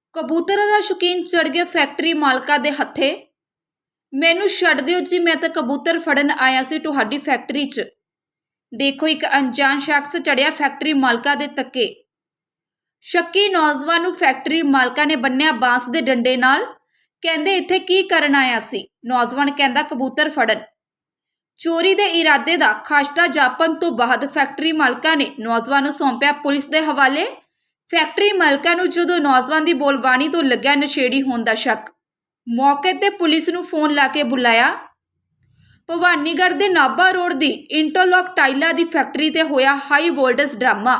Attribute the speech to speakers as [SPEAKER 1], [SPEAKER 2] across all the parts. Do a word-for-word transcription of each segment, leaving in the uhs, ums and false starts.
[SPEAKER 1] ਕਬੂਤਰਾਂ ਦਾ ਸ਼ੌਕੀਨ ਚੜ ਗਿਆ ਫੈਕਟਰੀ ਮਾਲਕਾਂ ਦੇ ਹੱਥੇ। ਮੈਨੂੰ ਛੱਡ ਦਿਓ ਜੀ, ਮੈਂ ਤਾਂ ਕਬੂਤਰ ਫੜਨ ਆਇਆ ਸੀ ਤੁਹਾਡੀ ਫੈਕਟਰੀ 'ਚ। ਦੇਖੋ ਇੱਕ ਅਣਜਾਣ ਸ਼ਖਸ ਚੜਿਆ ਫੈਕਟਰੀ ਮਾਲਕਾਂ ਦੇ ਤੱਕੇ। ਸ਼ੱਕੀ ਨੌਜਵਾਨ ਨੂੰ ਫੈਕਟਰੀ ਮਾਲਕਾਂ ਨੇ ਬੰਨਿਆ ਬਾਂਸ ਦੇ ਡੰਡੇ ਨਾਲ। ਕਹਿੰਦੇ ਇੱਥੇ ਕੀ ਕਰਨ ਆਇਆ ਸੀ? ਨੌਜਵਾਨ ਕਹਿੰਦਾ ਕਬੂਤਰ ਫੜਨ। ਚੋਰੀ ਦੇ ਇਰਾਦੇ ਦਾ ਖਾਸ਼ਤਾ ਜਾਪਣ ਤੋਂ ਬਾਅਦ ਫੈਕਟਰੀ ਮਾਲਕਾਂ ਨੇ ਨੌਜਵਾਨ ਨੂੰ ਸੌਂਪਿਆ ਪੁਲਿਸ ਦੇ ਹਵਾਲੇ। ਫੈਕਟਰੀ ਮਾਲਕਾਂ ਨੂੰ ਜਦੋਂ ਨੌਜਵਾਨ ਦੀ ਬੋਲਬਾਣੀ ਤੋਂ ਲੱਗਿਆ ਨਸ਼ੇੜੀ ਹੋਣ ਦਾ ਸ਼ੱਕ, ਮੌਕੇ ਤੇ ਪੁਲਿਸ ਨੂੰ ਫੋਨ ਲਾ ਕੇ ਬੁਲਾਇਆ। ਭਵਾਨੀਗੜ੍ਹ ਦੇ ਨਾਭਾ ਰੋਡ ਦੀ ਇੰਟਰਲੌਕ ਟਾਈਲਾਂ ਦੀ ਫੈਕਟਰੀ ਤੇ ਹੋਇਆ ਹਾਈ ਵੋਲਟੇਜ ਡਰਾਮਾ।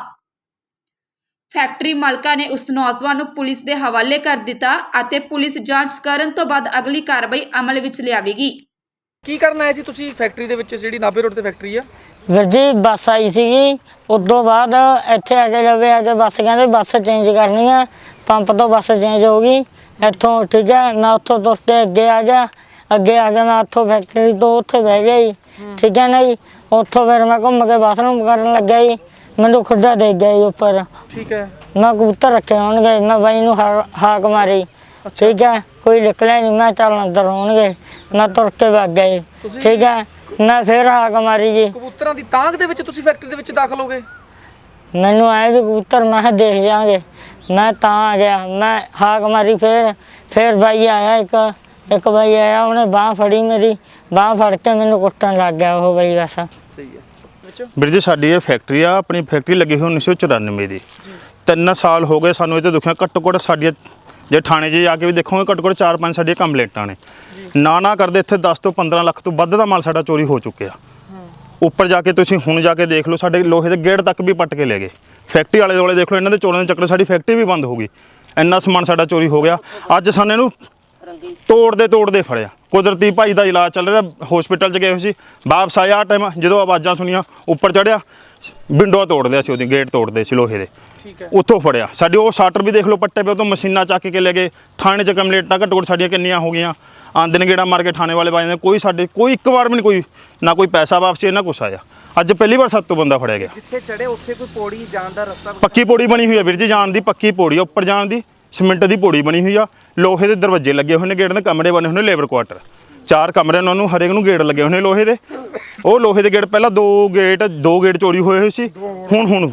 [SPEAKER 1] ਫੈਕਟਰੀ ਮਾਲਕਾਂ ਨੇ ਉਸ ਨੌਜਵਾਨ ਨੂੰ ਪੁਲਿਸ ਦੇ ਹਵਾਲੇ ਕਰ ਦਿੱਤਾ ਅਤੇ ਪੁਲਿਸ ਜਾਂਚ ਕਰਨ ਤੋਂ ਬਾਅਦ ਅਗਲੀ ਕਾਰਵਾਈ ਅਮਲ ਵਿੱਚ ਲਿਆਵੇਗੀ।
[SPEAKER 2] ਕੀ ਕਰਨ ਆਏ ਸੀ ਤੁਸੀਂ ਫੈਕਟਰੀ ਦੇ ਵਿੱਚ, ਜਿਹੜੀ ਨਾਭੇ ਰੋਡ ਤੇ ਫੈਕਟਰੀ ਆ?
[SPEAKER 3] ਵੀਰ ਜੀ ਬੱਸ ਆਈ ਸੀਗੀ, ਉਦੋਂ ਬਾਅਦ ਇੱਥੇ ਆ ਕੇ ਲਵੇ ਆ ਕੇ ਬੱਸ ਕਹਿੰਦੇ ਬੱਸ ਚੇਂਜ ਕਰਨੀ ਆ, ਪੰਪ ਤੋਂ ਬੱਸ ਚੇਂਜ ਹੋ ਗਈ ਇੱਥੋਂ। ਠੀਕ ਹੈ, ਮੈਂ ਉੱਥੋਂ ਤੁਰ ਕੇ ਅੱਗੇ ਆ ਗਿਆ। ਅੱਗੇ ਆ ਕੇ ਮੈਂ ਉੱਥੋਂ ਫੈਕਟਰੀ ਤੋਂ ਉੱਥੇ ਬਹਿ ਗਿਆ ਜੀ। ਠੀਕ ਹੈ ਨਾ ਜੀ, ਉੱਥੋਂ ਫਿਰ ਮੈਂ ਘੁੰਮ ਕੇ ਬਾਥਰੂਮ ਕਰਨ ਲੱਗਿਆ ਜੀ। ਮੈਨੂੰ ਖੁੱਡਾ ਦੇ ਗਿਆ ਜੀ ਉੱਪਰ। ਠੀਕ ਹੈ, ਮੈਂ ਕਬੂਤਰ ਰੱਖੇ ਹੋਣਗੇ, ਮੈਂ ਬਾਈ ਨੂੰ ਹਾਕ ਮਾਰੀ। ਠੀਕ ਹੈ, ਕੋਈ ਨਿਕਲਿਆ ਨਹੀਂ, ਮੈਂ ਚੱਲ ਅੰਦਰ ਹੋਣਗੇ, ਮੈਂ ਤੁਰ ਕੇ ਵਗ ਗਿਆ ਜੀ। ਠੀਕ ਹੈ, ਮੈਂ ਫਿਰ ਹਾਕ ਮਾਰੀ ਜੀ।
[SPEAKER 2] ਕਬੂਤਰਾਂ ਦੀ ਤਾਂਗ ਦੇ ਵਿੱਚ ਤੁਸੀਂ ਫੈਕਟਰੀ ਦੇ ਵਿੱਚ ਦਾਖਲ ਹੋ ਗਏ?
[SPEAKER 3] ਮੈਨੂੰ ਆਏ ਵੀ ਕਬੂਤਰ, ਮੈਂ ਕਿਹਾ ਦੇਖ ਜਾਵਾਂਗੇ, ਮੈਂ ਤਾਂ ਆ ਗਿਆ। ਮੈਂ ਹਾਕ ਮਾਰੀ, ਫਿਰ ਫਿਰ ਬਾਈ ਆਇਆ, ਇੱਕ ਇੱਕ ਬਾਈ ਆਇਆ, ਉਹਨੇ ਬਾਂਹ ਫੜੀ ਮੇਰੀ, ਬਾਂਹ ਫੜ ਕੇ ਮੈਨੂੰ ਕੁੱਟਣ ਲੱਗ ਗਿਆ ਉਹ ਬਾਈ। ਬਸ
[SPEAKER 2] ਸਹੀ ਹੈ
[SPEAKER 4] ਵੀਰ ਜੀ, ਸਾਡੀ ਇਹ ਫੈਕਟਰੀ ਆ, ਆਪਣੀ ਫੈਕਟਰੀ ਲੱਗੀ ਹੋਈ ਉੱਨੀ ਸੌ ਚੁਰਾਨਵੇਂ ਦੀ। ਤਿੰਨ ਸਾਲ ਹੋ ਗਏ ਸਾਨੂੰ ਇਹ ਤੇ ਦੁਖਿਆ। ਘੱਟੋ ਘੱਟ ਸਾਡੀਆਂ ਜੇ ਥਾਣੇ 'ਚ ਜਾ ਕੇ ਵੀ ਦੇਖੋਗੇ ਘੱਟੋ ਘੱਟ ਚਾਰ ਪੰਜ ਸਾਡੀਆਂ ਕੰਪਲੇਂਟਾਂ ਨੇ। ਨਾ ਨਾ ਕਰਦੇ ਇੱਥੇ ਦਸ ਤੋਂ ਪੰਦਰਾਂ ਲੱਖ ਤੋਂ ਵੱਧ ਦਾ ਮਾਲ ਸਾਡਾ ਚੋਰੀ ਹੋ ਚੁੱਕਿਆ। ਉੱਪਰ ਜਾ ਕੇ ਤੁਸੀਂ ਹੁਣ ਜਾ ਕੇ ਦੇਖ ਲਓ, ਸਾਡੇ ਲੋਹੇ ਦੇ ਗੇਟ ਤੱਕ ਵੀ ਪੱਟ ਕੇ ਲੈ ਗਏ। ਫੈਕਟਰੀ ਵਾਲੇ ਦੁਆਲੇ ਦੇਖ ਲਓ, ਇਹਨਾਂ ਦੇ ਚੋਰਾਂ ਦੇ ਚੱਕਰ ਸਾਡੀ ਫੈਕਟਰੀ ਵੀ ਬੰਦ ਹੋ ਗਈ। ਇੰਨਾ ਸਮਾਨ ਸਾਡਾ ਚੋਰੀ ਹੋ ਗਿਆ। ਅੱਜ ਸਾਨੂੰ ਇਹਨੂੰ ਤੋੜਦੇ ਤੋੜਦੇ ਫੜਿਆ। ਕੁਦਰਤੀ ਭਾਈ ਦਾ ਇਲਾਜ ਚੱਲ ਰਿਹਾ, ਹਸਪੀਟਲ 'ਚ ਗਏ ਹੋਏ ਸੀ। ਵਾਪਸ ਆਇਆ ਟਾਈਮ, ਜਦੋਂ ਆਵਾਜ਼ਾਂ ਸੁਣੀਆਂ ਉੱਪਰ ਚੜ੍ਹਿਆ, ਵਿੰਡੋ ਤੋੜਦੇ ਸੀ, ਉਹਦੀ ਗੇਟ ਤੋੜਦੇ ਸੀ ਲੋਹੇ ਦੇ। ਉੱਥੋਂ ਫੜਿਆ। ਸਾਡੇ ਉਹ ਸ਼ਟਰ ਵੀ ਦੇਖ ਲਓ ਪੱਟੇ ਪਏ, ਉਹ ਤੋਂ ਮਸ਼ੀਨਾਂ ਚੱਕ ਕੇ ਲੈ ਗਏ। ਥਾਣੇ 'ਚ ਕੰਪਲੇਂਟਾਂ ਘੱਟੋ ਘੱਟ ਸਾਡੀਆਂ ਕਿੰਨੀਆਂ ਹੋ ਗਈਆਂ। ਆਂਦੇ ਨੇ ਗੇੜਾ ਮਾਰ ਕੇ ਥਾਣੇ ਵਾਲੇ ਪਾ ਜਾਂਦੇ, ਕੋਈ ਸਾਡੇ ਕੋਈ ਇੱਕ ਵਾਰ ਵੀ ਨਹੀਂ, ਕੋਈ ਨਾ ਕੋਈ ਪੈਸਾ ਵਾਪਸੀ ਨਾ ਕੁਛ ਆਇਆ। ਅੱਜ ਪਹਿਲੀ ਵਾਰ ਸੱਤ ਤੋਂ ਬੰਦਾ ਫੜਿਆ ਗਿਆ।
[SPEAKER 2] ਜਿੱਥੇ ਚੜੇ ਉੱਥੇ ਕੋਈ ਪੌੜੀ ਜਾਣ ਦਾ ਰਸਤਾ?
[SPEAKER 4] ਪੱਕੀ ਪੌੜੀ ਬਣੀ ਹੋਈ ਆ ਵੀਰ ਜੀ, ਜਾਣ ਦੀ ਪੱਕੀ ਪੌੜੀ ਆ। ਉੱਪਰ ਜਾਣ ਦੀ ਸੀਮੈਂਟ ਦੀ ਪੌੜੀ ਬਣੀ ਹੋਈ ਆ। ਲੋਹੇ ਦੇ ਦਰਵਾਜ਼ੇ ਲੱਗੇ ਹੋਏ ਨੇ, ਗੇਟ ਦੇ ਕਮਰੇ ਬਣੇ ਹੋਏ ਨੇ, ਲੇਬਰ ਕੁਆਟਰ ਚਾਰ ਕਮਰੇ ਨੇ, ਉਹਨਾਂ ਨੂੰ ਹਰੇਕ ਨੂੰ ਗੇਟ ਲੱਗੇ ਹੋਏ ਨੇ ਲੋਹੇ ਦੇ। ਉਹ ਲੋਹੇ ਦੇ ਗੇਟ ਪਹਿਲਾਂ ਦੋ ਗੇਟ ਦੋ ਗੇਟ ਚੋਰੀ ਹੋਏ ਹੋਏ ਸੀ। ਹੁਣ ਹੁਣ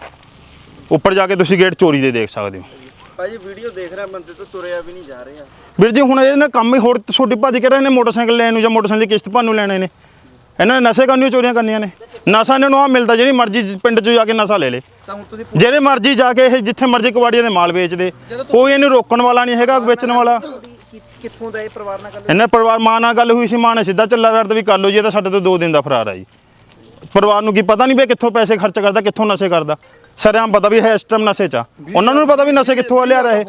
[SPEAKER 4] ਉੱਪਰ ਜਾ ਕੇ ਤੁਸੀਂ ਗੇਟ ਚੋਰੀ ਦੇ ਦੇਖ ਸਕਦੇ ਹੋ।
[SPEAKER 5] ਭਾਜੀ ਵੀਡੀਓ ਦੇਖ ਰਿਹਾ, ਬੰਦੇ ਤੋਂ ਤੁਰਿਆ ਵੀ ਨਹੀਂ ਜਾ ਰਿਹਾ
[SPEAKER 4] ਵੀਰ ਜੀ। ਹੁਣ ਇਹਦੇ ਨਾਲ ਕੰਮ ਹੀ ਹੋਰ ਛੋਟੀ ਭੱਜ ਕੇ ਰਹੇ ਨੇ, ਮੋਟਰਸਾਈਕਲ ਲੈਣ ਨੂੰ ਜਾਂ ਮੋਟਰਸਾਈਕਲ ਦੀ ਕਿਸ਼ਤ ਭਰਨ ਨੂੰ ਲੈਣੇ ਨੇ। ਇਹਨਾਂ ਨੇ ਨਸ਼ੇ ਕਰਨੀਆਂ, ਚੋਰੀਆਂ ਕਰਨੀਆਂ ਨੇ। ਨਸ਼ਾ ਇਹਨਾਂ ਨੂੰ ਆਹ ਮਿਲਦਾ, ਜਿਹੜੀ ਮਰਜ਼ੀ ਪਿੰਡ 'ਚ ਜਾ ਕੇ ਨਸ਼ਾ ਲੈ ਲੇ, ਜਿਹੜੇ ਮਰਜ਼ੀ ਜਾ ਕੇ ਇਹ ਜਿੱਥੇ ਮਰਜ਼ੀ ਕਬਾੜੀਆਂ ਦੇ ਮਾਲ ਵੇਚਦੇ। ਕੋਈ ਇਹਨੂੰ ਰੋਕਣ ਵਾਲਾ ਨਹੀਂ ਹੈਗਾ, ਵੇਚਣ ਵਾਲਾ।
[SPEAKER 5] ਕਿੱਥੋਂ ਦਾ ਇਹ ਪਰਿਵਾਰ ਨਾਲ ਗੱਲ?
[SPEAKER 4] ਇਹਨਾਂ ਪਰਿਵਾਰ ਮਾਂ ਨਾਲ ਗੱਲ ਹੋਈ ਸੀ, ਮਾਂ ਨੇ ਸਿੱਧਾ ਚੱਲਾ ਕਰਦਾ ਵੀ ਕਰ ਲਓ ਜੀ, ਇਹ ਤਾਂ ਸਾਡੇ ਤੋਂ ਦੋ ਦਿਨ ਦਾ ਫਰਾਰ ਆ ਜੀ। ਪਰਿਵਾਰ ਨੂੰ ਕੀ ਪਤਾ ਨਹੀਂ ਵੀ ਕਿੱਥੋਂ ਪੈਸੇ ਖਰਚ ਕਰਦਾ, ਕਿੱਥੋਂ ਨਸ਼ੇ ਕਰਦਾ। ਸਾਰਿਆਂ ਨੂੰ ਪਤਾ ਵੀ ਹੈ ਇਸ ਟਾਈਮ ਨਸ਼ੇ 'ਚ ਆ, ਉਹਨਾਂ ਨੂੰ ਪਤਾ ਵੀ ਨਸ਼ੇ ਕਿੱਥੋਂ ਲਿਆ ਰਹੇ।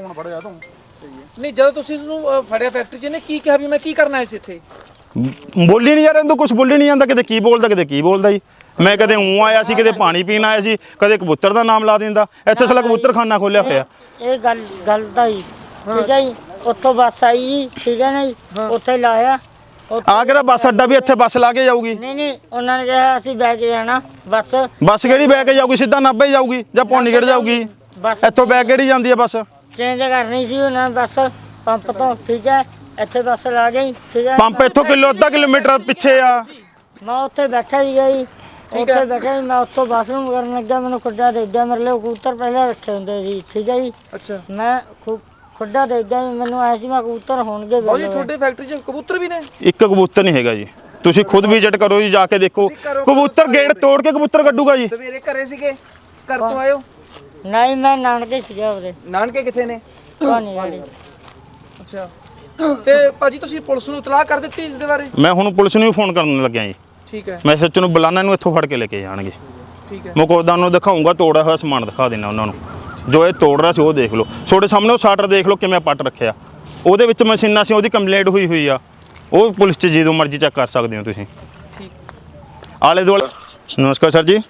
[SPEAKER 2] ਨਹੀਂ, ਜਦੋਂ ਤੁਸੀਂ ਇਸਨੂੰ ਫੜਿਆ ਫੈਕਟਰੀ 'ਚ, ਇਹਨੇ ਕੀ ਕਿਹਾ ਵੀ ਮੈਂ ਕੀ ਕਰਨਾ ਇਸ ਇੱਥੇ?
[SPEAKER 4] ਬੋਲੀ ਨਹੀਂ ਯਾਰ, ਇਹਨੂੰ ਕੁਛ ਬੋਲੀ ਨਹੀਂ ਜਾਂਦਾ। ਕਿਤੇ ਕੀ ਬੋਲਦਾ, ਕਿਤੇ ਕੀ ਬੋਲਦਾ ਜੀ। ਮੈਂ ਕਦੇ ਊਂ ਆਇਆ ਸੀ, ਕਿਤੇ ਪਾਣੀ ਪੀਣ ਆਇਆ ਸੀ, ਕਦੇ ਕਬੂਤਰ ਦਾ ਨਾਮ ਲਾ ਦਿੰਦਾ। ਇੱਥੇ ਸਾਲਾ ਕਬੂਤਰਖਾਨਾ ਖੋਲਿਆ ਹੋਇਆ।
[SPEAKER 3] ਇਹ ਗੱਲ ਗੱਲ ਦਾ ਜੀ। ਠੀਕ ਹੈ ਜੀ, ਉੱਥੋਂ ਬੱਸ ਆਈ ਜੀ। ਠੀਕ ਹੈ ਨਾ ਜੀ, ਉੱਥੇ ਲਾਇਆ।
[SPEAKER 4] ਆ ਕਿਹੜਾ ਬੱਸ ਅੱਡਾ ਵੀ ਇੱਥੇ ਬੱਸ ਲਾ ਕੇ ਜਾਊਗੀ?
[SPEAKER 3] ਨਹੀਂ ਨਹੀਂ, ਉਹਨਾਂ ਨੇ ਕਿਹਾ ਅਸੀਂ ਬਹਿ ਕੇ ਜਾਣਾ ਬੱਸ।
[SPEAKER 4] ਬੱਸ ਕਿਹੜੀ ਬਹਿ ਕੇ ਜਾਊਗੀ? ਸਿੱਧਾ ਨਾਭੇ ਜਾਊਗੀ ਜਾਂ ਭਵਾਨੀਗੜ੍ਹ ਜਾਊਗੀ?
[SPEAKER 3] ਬੱਸ
[SPEAKER 4] ਇੱਥੋਂ ਬਹਿ ਕਿਹੜੀ ਜਾਂਦੀ ਹੈ ਬੱਸ?
[SPEAKER 3] ਚੇਂਜ ਕਰਨੀ ਸੀ ਉਹਨਾਂ ਨੇ ਬੱਸ ਪੰਪ ਤੋਂ। ਠੀਕ ਹੈ, ਇੱਥੇ ਬੱਸ ਲਾ ਗਈ। ਠੀਕ ਹੈ,
[SPEAKER 4] ਪੰਪ ਇੱਥੋਂ ਕਿਲੋ ਅੱਧਾ ਕਿਲੋਮੀਟਰ ਪਿੱਛੇ ਆ।
[SPEAKER 3] ਮੈਂ ਉੱਥੇ ਬੈਠਾ ਸੀਗਾ ਜੀ, ਉੱਥੇ ਬੈਠਾ ਸੀ ਮੈਂ। ਉੱਥੋਂ ਬਾਥਰੂਮ ਕਰਨ ਲੱਗਾ, ਮੈਨੂੰ ਖੁੱਡਾ ਦੇ ਗਿਆ। ਮੇਰੇ ਲਈ ਕਬੂਤਰ ਪਹਿਲਾਂ ਰੱਖੇ ਹੁੰਦੇ ਸੀ। ਠੀਕ ਹੈ ਜੀ, ਅੱਛਾ, ਮੈਂ ਖੁੱਡਾ ਦੇ ਗਿਆ, ਮੈਨੂੰ ਆਇਆ ਸੀ ਮੈਂ ਕਬੂਤਰ ਹੋਣਗੇ।
[SPEAKER 2] ਉਹ ਜੀ ਤੁਹਾਡੇ ਫੈਕਟਰੀ 'ਚ ਕਬੂਤਰ ਵੀ ਨੇ?
[SPEAKER 4] ਇੱਕ ਕਬੂਤਰ ਨਹੀਂ ਹੈਗਾ ਜੀ, ਤੁਸੀਂ ਖੁਦ ਵਿਜ਼ਿਟ ਕਰੋ ਜੀ, ਜਾ ਕੇ ਦੇਖੋ। ਕਬੂਤਰ ਗੇਟ ਤੋੜ ਕੇ ਕਬੂਤਰ ਕੱਢੂਗਾ ਜੀ।
[SPEAKER 5] ਸਵੇਰੇ ਘਰੇ ਸੀਗੇ? ਘਰ ਤੋਂ ਆਇਓ?
[SPEAKER 3] ਨਹੀਂ, ਮੈਂ ਨਾਨਕੇ ਸੀਗਾ ਉਹਦੇ।
[SPEAKER 5] ਨਾਨਕੇ ਕਿੱਥੇ ਨੇ?
[SPEAKER 3] ਭਵਾਨੀਗੜ੍ਹ।
[SPEAKER 2] ਅੱਛਾ, ਤੇ ਭਾਜੀ ਤੁਸੀਂ ਪੁਲਿਸ ਨੂੰ ਇਤਲਾਹ ਕਰ ਦਿੱਤੀ ਇਸ ਦੇ ਬਾਰੇ?
[SPEAKER 4] ਮੈਂ ਹੁਣ ਪੁਲਿਸ ਨੂੰ ਵੀ ਫੋਨ ਕਰਨ ਲੱਗਿਆ ਜੀ।
[SPEAKER 2] ਠੀਕ ਹੈ,
[SPEAKER 4] ਮੈਂ ਸੱਚ ਨੂੰ ਬੁਲਾਣਾ, ਨੂੰ ਇੱਥੋਂ ਫੜ ਕੇ ਲੈ ਕੇ ਜਾਣਗੇ।
[SPEAKER 2] ਠੀਕ ਹੈ,
[SPEAKER 4] ਮੁਕੋਦਾਂ ਨੂੰ ਦਿਖਾਊਂਗਾ, ਤੋੜਿਆ ਹੋਇਆ ਸਮਾਨ ਦਿਖਾ ਦੇਣਾ ਉਹਨਾਂ ਨੂੰ। ਜੋ ਇਹ ਤੋੜ ਰਿਹਾ ਸੀ ਉਹ ਦੇਖ ਲਓ, ਤੁਹਾਡੇ ਸਾਹਮਣੇ ਉਹ ਸ਼ਟਰ ਦੇਖ ਲਓ ਕਿਵੇਂ ਪੱਟ ਰੱਖਿਆ। ਉਹਦੇ ਵਿੱਚ ਮਸ਼ੀਨਾਂ ਸੀ, ਉਹਦੀ ਕੰਪਲੇਂਟ ਹੋਈ ਹੋਈ ਆ। ਉਹ ਪੁਲਿਸ 'ਚ ਜਦੋਂ ਮਰਜ਼ੀ ਚੈੱਕ ਕਰ ਸਕਦੇ ਹੋ ਤੁਸੀਂ।
[SPEAKER 2] ਠੀਕ,
[SPEAKER 4] ਆਲੇ ਦੁਆਲੇ। ਨਮਸਕਾਰ ਸਰ ਜੀ।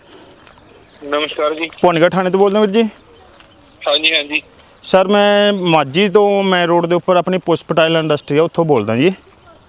[SPEAKER 6] ਨਮਸਕਾਰ ਜੀ।
[SPEAKER 4] ਭਵਾਨੀਗੜ੍ਹ ਥਾਣੇ ਤੋਂ ਬੋਲਦੇ ਹੋ ਵੀਰ ਜੀ?
[SPEAKER 6] ਹਾਂਜੀ ਹਾਂਜੀ
[SPEAKER 4] ਸਰ, ਮੈਂ ਮਾਝੀ ਤੋਂ ਮੈਂ ਰੋਡ ਦੇ ਉੱਪਰ ਆਪਣੀ ਪੁਸ਼ਪ ਟਾਇਲ ਇੰਡਸਟਰੀ ਆ, ਉੱਥੋਂ ਬੋਲਦਾ ਜੀ।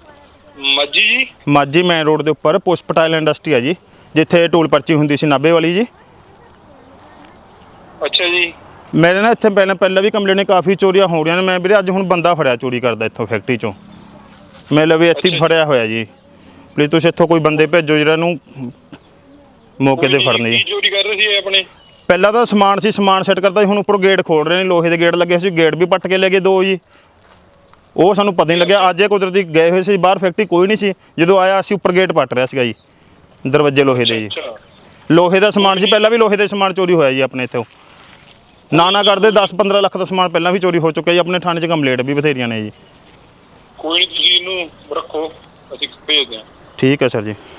[SPEAKER 6] ਮਾਝੀ ਜੀ?
[SPEAKER 4] ਮਾਝੀ ਮੇਨ ਰੋਡ ਦੇ ਉੱਪਰ ਪੁਸ਼ਪ ਟਾਇਲ ਇੰਡਸਟਰੀ ਆ ਜੀ, ਜਿੱਥੇ ਟੂਲ ਪਰਚੀ ਹੁੰਦੀ ਸੀ ਨਾਭੇ ਵਾਲੀ ਜੀ।
[SPEAKER 6] ਅੱਛਾ ਜੀ।
[SPEAKER 4] ਮੇਰੇ ਨਾਲ ਇੱਥੇ ਪਹਿਲਾਂ ਪਹਿਲਾਂ ਵੀ ਕੰਪਲੇਂਟ ਕਾਫੀ ਚੋਰੀਆਂ ਹੋ ਰਹੀਆਂ ਨੇ। ਮੈਂ ਵੀਰੇ ਅੱਜ ਹੁਣ ਬੰਦਾ ਫੜਿਆ ਚੋਰੀ ਕਰਦਾ ਇੱਥੋਂ ਫੈਕਟਰੀ ਚੋਂ। ਮੈਂ ਲਵੇ ਇੱਥੇ ਹੀ ਫੜਿਆ ਹੋਇਆ ਜੀ। ਪਲੀਜ਼ ਤੁਸੀਂ ਇੱਥੋਂ ਕੋਈ ਬੰਦੇ ਭੇਜੋ ਜਿਹੜਾ ਨੂੰ ਮੌਕੇ ਤੇ ਫੜਨ ਜੀ।
[SPEAKER 6] ਕੀ ਚੋਰੀ ਕਰ ਰਹੇ ਸੀ ਇਹ ਆਪਣੇ?
[SPEAKER 4] ਪਹਿਲਾਂ ਤਾਂ ਸਮਾਨ ਸੀ, ਸਮਾਨ ਸੈੱਟ ਕਰਦਾ ਸੀ। ਹੁਣ ਉੱਪਰ ਗੇਟ ਖੋਲ ਰਹੇ ਨੇ, ਲੋਹੇ ਦੇ ਗੇਟ ਲੱਗੇ ਸੀ। ਗੇਟ ਵੀ ਪੱਟ ਕੇ ਲੈ ਗਏ ਦੋ ਜੀ। ਉਹ ਸਾਨੂੰ ਪਤਾ ਨਹੀਂ ਲੱਗਿਆ। ਅੱਜ ਇਹ ਕੁਦਰਤੀ ਗਏ ਹੋਏ ਸੀ ਬਾਹਰ, ਫੈਕਟਰੀ ਕੋਈ ਨਹੀਂ ਸੀ। ਜਦੋਂ ਆਇਆ ਅਸੀਂ ਉੱਪਰ ਗੇਟ ਪੱਟ ਰਿਹਾ ਸੀਗਾ ਜੀ, ਦਰਵਾਜ਼ੇ ਲੋਹੇ ਦੇ ਜੀ।
[SPEAKER 6] ਅੱਛਾ,
[SPEAKER 4] ਲੋਹੇ ਦਾ ਸਮਾਨ ਸੀ, ਪਹਿਲਾਂ ਵੀ ਲੋਹੇ ਦੇ ਸਮਾਨ ਚੋਰੀ ਹੋਇਆ ਜੀ ਆਪਣੇ ਇੱਥੋਂ। ਨਾ ਨਾ ਕਰਦੇ ਦਸ ਪੰਦਰਾਂ ਲੱਖ ਦਾ ਸਮਾਨ ਪਹਿਲਾਂ ਵੀ ਚੋਰੀ ਹੋ ਚੁੱਕਿਆ ਜੀ। ਆਪਣੇ ਥਾਣੇ 'ਚ ਕੰਪਲੇਂਟ ਵੀ ਬਥੇਰੀਆਂ ਨੇ ਜੀ।
[SPEAKER 6] ਕੋਈ ਨਹੀਂ, ਤੁਸੀਂ ਇਹਨੂੰ ਰੱਖੋ, ਅਸੀਂ ਭੇਜਦੇ ਹਾਂ।
[SPEAKER 4] ਠੀਕ ਹੈ ਸਰ ਜੀ।